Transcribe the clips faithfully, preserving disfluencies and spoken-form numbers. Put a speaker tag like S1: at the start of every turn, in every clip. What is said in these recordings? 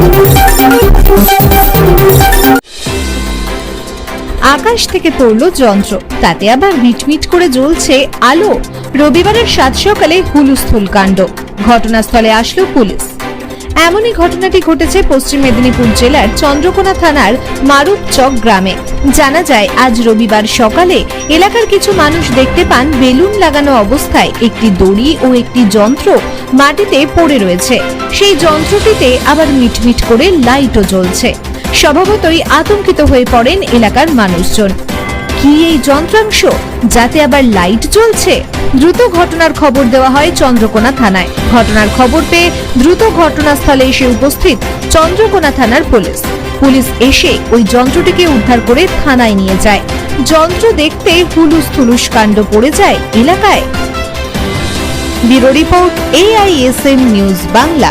S1: আকাশ থেকে পড়লো যন্ত্র, তাতে আবার মিটমিট করে জ্বলছে আলো। রবিবারের সাত সকালে হুলস্থুল কাণ্ড, ঘটনাস্থলে আসলো পুলিশ। এমনই ঘটনাটি ঘটেছে পশ্চিম মেদিনীপুর জেলার চন্দ্রকোনা থানার মারুপচক গ্রামে। জানা যায়, আজ রবিবার সকালে এলাকার কিছু মানুষ দেখতে পান বেলুন লাগানো অবস্থায় একটি দড়ি ও একটি যন্ত্র মাটিতে পড়ে রয়েছে। সেই যন্ত্রটিতে আবার মিটমিট করে লাইটও জ্বলছে। স্বভাবতই আতঙ্কিত হয়ে পড়েন এলাকার মানুষজন। কি এই যন্ত্রাংশ, যাতে আবার লাইট জ্বলছে? দ্রুত ঘটনার খবর দেওয়া হয় চন্দ্রকোনা থানায়। ঘটনার খবর পেয়ে দ্রুত ঘটনাস্থলে এসে উপস্থিত চন্দ্রকোনা থানার পুলিশ। পুলিশ এসে ওই যন্ত্রটিকে উদ্ধার করে থানায় নিয়ে যায়। যন্ত্র দেখতে হুলুস থুলুস কাণ্ড পড়ে যায় এলাকায়। Bureau report, AISN news Bangla.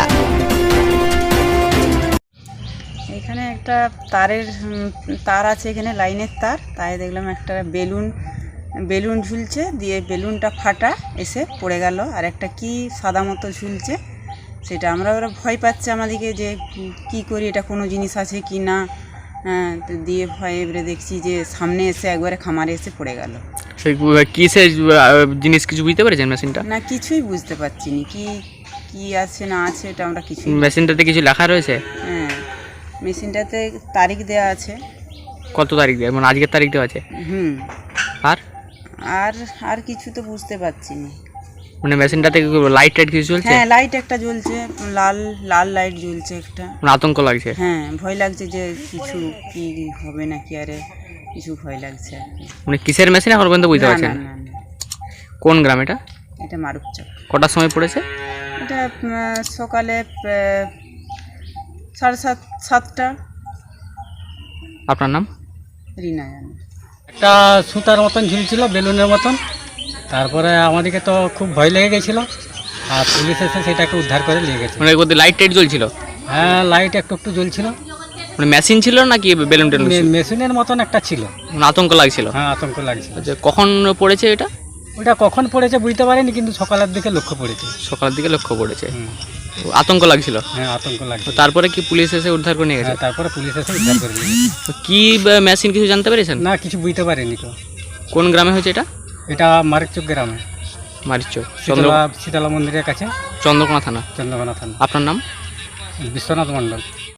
S2: এখানে একটা তারের তার আছে, এখানে লাইনের তার, তাই দেখলাম একটা বেলুন বেলুন ঝুলছে, দিয়ে বেলুনটা ফাটা এসে পড়ে গেল। আর একটা কি সাদা মতো ঝুলছে, সেটা আমরা ওরা ভয় পাচ্ছে আমাদেরকে যে কি করি, এটা কোনো জিনিস আছে কি না। হ্যাঁ, তো দিয়ে ভয় এবারে দেখছি যে সামনে এসে একবারে খামারে এসে পড়ে গেল।
S3: কিসের জিনিস কিছু বুঝতে পেরেছেন মেশিনটা?
S2: না, কিছুই বুঝতে পারছি না, কি কি আছে না আছে এটা আমরা কিছু।
S3: মেশিনটাতে কিছু লেখা রয়েছে?
S2: হ্যাঁ, মেশিনটাতে তারিখ দেওয়া আছে।
S3: কত তারিখ দেওয়া, মানে আজকের তারিখ দেওয়া আছে?
S2: হুম।
S3: আর
S2: আর আর কিছু তো বুঝতে পারছি না।
S3: মানে মেশিনটাতে লাইট টাইট কিছু জ্বলছে?
S2: হ্যাঁ, লাইট একটা জ্বলছে, লাল লাল লাইট জ্বলছে একটা।
S3: মানে আতঙ্ক লাগছে?
S2: হ্যাঁ, ভয় লাগছে যে কিছু কি হবে নাকি, আরে কিছু ভয় লাগছে আর কি।
S3: মানে কিসের মেশিন এখন পর্যন্ত বুঝতে পারছেন?
S2: না না না,
S3: কোন গ্রাম এটা?
S2: এটা মারুপচক।
S3: কটার সময় পড়েছে
S2: এটা সকালে সাড়ে সাত সাতটা।
S3: আপনার নাম?
S2: রিনা জানে।
S4: একটা সুতার মতন ঝুলছিল, বেলুনের মতন। তারপরে আমাদেরকে তো খুব ভয় লেগে গেছিলো, আর পুলিশ এসে সেটাকে উদ্ধার করে নিয়ে গেছে।
S3: মানে ওদের লাইট টাইট জ্বলছিল?
S4: হ্যাঁ, লাইট একটু একটু জ্বলছিল।
S3: মানে মেশিন ছিল নাকি বেলুন টেলুন?
S4: মেশিনের মতন একটা ছিল।
S3: মানে আতঙ্ক লাগছিল?
S4: হ্যাঁ, আতঙ্ক লাগছিল।
S3: আচ্ছা, কখন পড়েছে এটা?
S4: ওটা কখন পড়েছে বুঝতে পারিনি, কিন্তু সকালের দিকে লক্ষ্য পড়েছে।
S3: সকালের দিকে লক্ষ্য পড়েছে। আতঙ্ক লাগছিল?
S4: হ্যাঁ, আতঙ্ক লাগছিল।
S3: তারপরে কি পুলিশ এসে উদ্ধার করে নিয়ে গেছে?
S4: হ্যাঁ, তারপরে পুলিশ এসে উদ্ধার করে নিয়ে গেছে।
S3: কি মেশিন কিছু জানতে পেরেছেন?
S4: না, কিছু বুঝতে পারিনি তো।
S3: কোন গ্রামে হয়েছে এটা?
S4: এটা মারুপচক গ্রামে,
S3: মারিচক,
S4: শীতলা শীতলা মন্দিরের কাছে,
S3: চন্দ্রকোনা থানা।
S4: চন্দ্রকোনা থানা।
S3: আপনার নাম?
S4: বিশ্বনাথ মণ্ডল।